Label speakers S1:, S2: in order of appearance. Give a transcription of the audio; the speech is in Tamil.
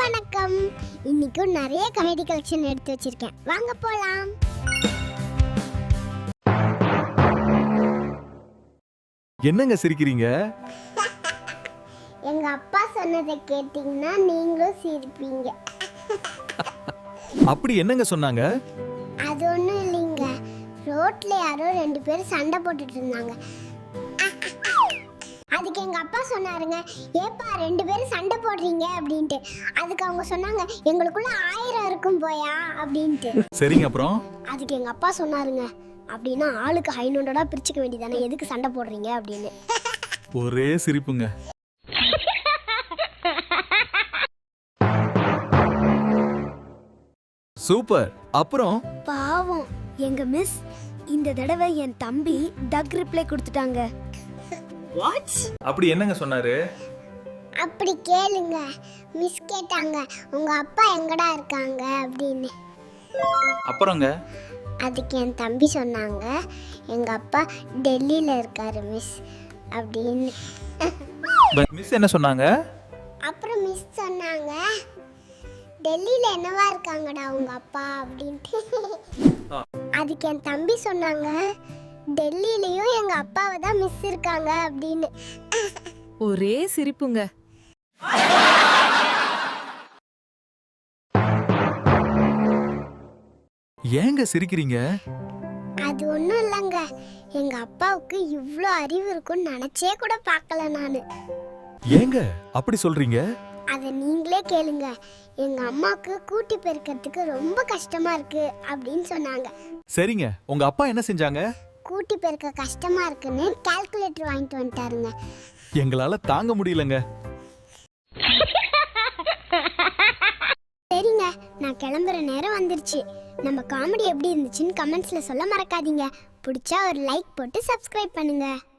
S1: வணக்கம். இன்னைக்கும் நிறைய காமெடி கலெக்ஷன் எடுத்து வச்சிருக்கேன், வாங்க போலாம்.
S2: என்னங்க சிரிக்கிறீங்க?
S1: எங்க அப்பா சொன்னதை கேட்டீங்கன்னா நீங்களும் சிரிப்பீங்க.
S2: அப்படி என்னங்க சொன்னாங்க?
S1: அது ஒண்ணும் இல்லைங்க, ரோட்ல யாரோ 2 பேரும் சண்டை போட்டுட்டு இருந்தாங்க. அதுக்கு எங்க அப்பா சொன்னாருங்க, ஏப்பா 2 பேரும் சண்டை போடுறீங்க அப்படின்ட்டு. அதுக்கு அவங்க சொன்னாங்க, எங்களுக்குள்ள 1000 இருக்கும் போயா அப்படின்ட்டு.
S2: சரிங்க, அப்புறம்?
S1: அதுக்கு எங்க அப்பா சொன்னாருங்க, அப்படின்னா ஆளுக்கு 500 பிரிச்சுக்க வேண்டியதானே, எதுக்கு சண்டை போடுறீங்க அப்படின்னு.
S2: ஒரே சிரிப்புங்க. சூப்பர். அப்புறம்?
S3: பாவம் எங்க மிஸ் இந்த தடவை என் தம்பி டக் ரிப்ளை கொடுத்துட்டாங்க.
S2: வாட்? அப்படி என்னங்க சொன்னாரு?
S1: அப்படி கேளுங்க. மிஸ் கேட்டாங்க, உங்க அப்பா எங்கடா இருக்காங்க அப்படின்னு.
S2: அப்புறங்க?
S1: அதுக்கு என் தம்பி சொன்னாங்க, எங்க அப்பா டெல்லியில இருக்காரு மிஸ் அப்படின்னு.
S2: மிஸ் என்ன சொன்னாங்க?
S1: அப்புறம் மிஸ் சொன்னாங்க, டெல்லியில என்னவா இருக்காங்கடா உங்க அப்பா அப்படின்ட்டு. அதுக்கு என் தம்பி சொன்னாங்க, டெல்லியிலயும் எங்க அப்பாவை தான் மிஸ் இருக்காங்க அப்படின்னு.
S3: ஒரே சிரிப்புங்க.
S2: ஏங்க சிரிக்கிறீங்க?
S1: அது ஒண்ணும் இல்லைங்க, எங்க அப்பாவுக்கு இவ்ளோ அறிவு இருக்குன்னு நினைச்சே கூட பார்க்கல நானு.
S2: ஏங்க அப்படி சொல்றீங்க?
S1: அதை நீங்களே கேளுங்க. எங்க அம்மாவுக்கு கூட்டி பெருக்கிறதுக்கு ரொம்ப கஷ்டமா இருக்கு அப்படின்னு சொன்னாங்க.
S2: சரிங்க, உங்க அப்பா என்ன செஞ்சாங்க?
S1: கூட்டி பெருக்க கஷ்டமா இருக்குன்னு கால்குலேட்டர் வாங்கிட்டு வந்துட்டாருங்க.
S2: எங்களால தாங்க முடியலங்க.
S1: சரிங்க, நான் கிளம்புற நேரம் வந்துருச்சு. நம்ம காமெடி எப்படி இருந்துச்சுன்னு கமெண்ட்ஸ்ல சொல்ல மறக்காதீங்க. பிடிச்சா ஒரு லைக் போட்டு சப்ஸ்கிரைப் பண்ணுங்க.